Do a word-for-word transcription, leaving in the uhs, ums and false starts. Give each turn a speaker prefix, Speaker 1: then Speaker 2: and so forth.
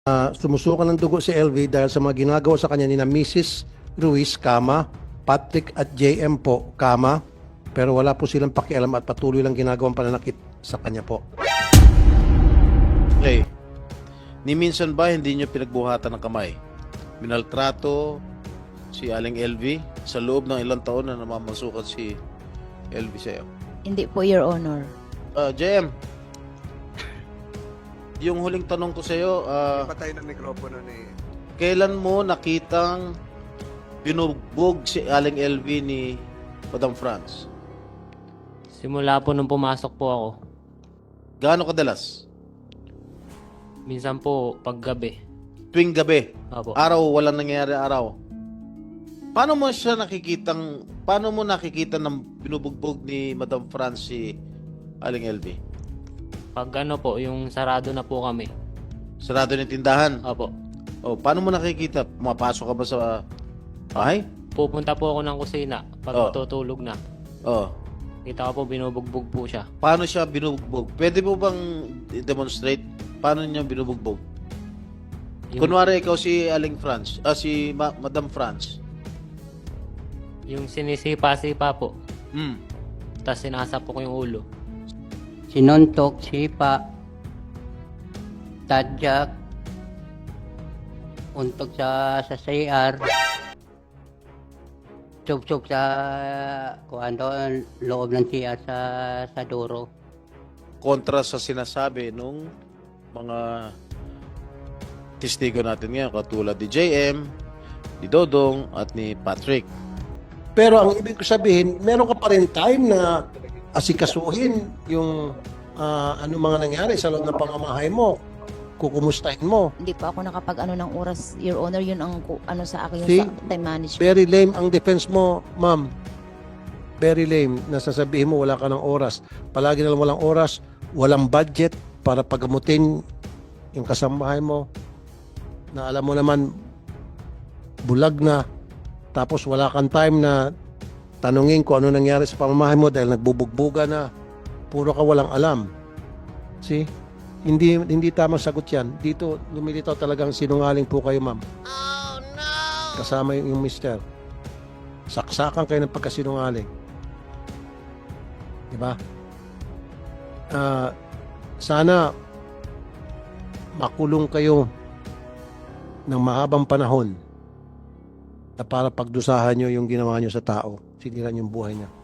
Speaker 1: Uh, sumusukan ng dugo si L V dahil sa mga ginagawa sa kanya ni na Missus Ruiz, kama, Patrick at J M po, kama, pero wala po silang pakialam at patuloy lang ginagawang pananakit sa kanya po.
Speaker 2: Okay. Ni minsan ba hindi nyo pinagbuhatan ng kamay? Minaltrato si Aling L V sa loob ng ilang taon na namamasukat si L V sa'yo?
Speaker 3: Hindi po, Your Honor.
Speaker 2: Uh, J M, yung huling tanong ko sa'yo, uh,
Speaker 4: Patay ng mikropono ni...
Speaker 2: kailan mo nakitang binugbog si Aling L V ni Madam France?
Speaker 5: Simula po nung pumasok po ako.
Speaker 2: Gaano kadalas?
Speaker 5: Minsan po paggabi.
Speaker 2: Tuwing gabi?
Speaker 5: Opo.
Speaker 2: Araw, walang nangyayari araw? Paano mo siya nakikitang, paano mo nakikita ng binubugbog ni Madam France si Aling L V?
Speaker 5: Pag ano po, yung sarado na po kami.
Speaker 2: Sarado ng tindahan?
Speaker 5: Opo.
Speaker 2: O, paano mo nakikita? Pumapasok ka ba sa bahay?
Speaker 5: Pupunta po ako ng kusina pag
Speaker 2: Oh.
Speaker 5: matutulog na.
Speaker 2: O,
Speaker 5: Kita ko po binubugbog po siya.
Speaker 2: paano siya binubugbog? Pwede mo bang demonstrate paano niya binubugbog?
Speaker 5: Yung,
Speaker 2: Kunwari ikaw si Aling France, ah, si Ma- Madam France.
Speaker 5: yung sinisipa-sipa po.
Speaker 2: Hmm.
Speaker 5: Tapos sinasapok ko yung ulo.
Speaker 6: Sinuntok, sipa, tadyak, untok sa sa C R, tsuk-tsuk sa kuan doon, loob ng C R sa sa duro.
Speaker 2: Kontra sa sinasabi nung mga testigo natin ngayon katulad ni J M, ni Dodong at ni Patrick.
Speaker 1: Pero ang ibig ko sabihin, meron ka pa rin time na asikasuhin yung ah, ano mga nangyari sa loob ng pamamahay mo. Kukumustahin mo.
Speaker 3: Hindi pa ako nakapag ano ng oras, Your Honor. Yun ang ku- ano sa akin, yung
Speaker 1: See?
Speaker 3: sa time management.
Speaker 1: Very lame ang defense mo, ma'am. Very lame na sasabihin mo wala ka ng oras. Palagi na lang walang oras, walang budget para pagamutin yung kasambahay mo na alam mo naman bulag na, tapos wala kang time na tanungin kung ano nangyari sa pamamahay mo dahil nagbubugbuga na. Puro ka walang alam. See? Hindi hindi tamang sagot yan. Dito lumilitaw talagang sinungaling po kayo, ma'am. Oh no! Kasama yung, yung mister. Saksakan kayo ng pagkasinungaling. Diba? Ah, sana makulong kayo ng mahabang panahon na para pagdusahan nyo yung ginawa nyo sa tao. Siniran yung buhay niya.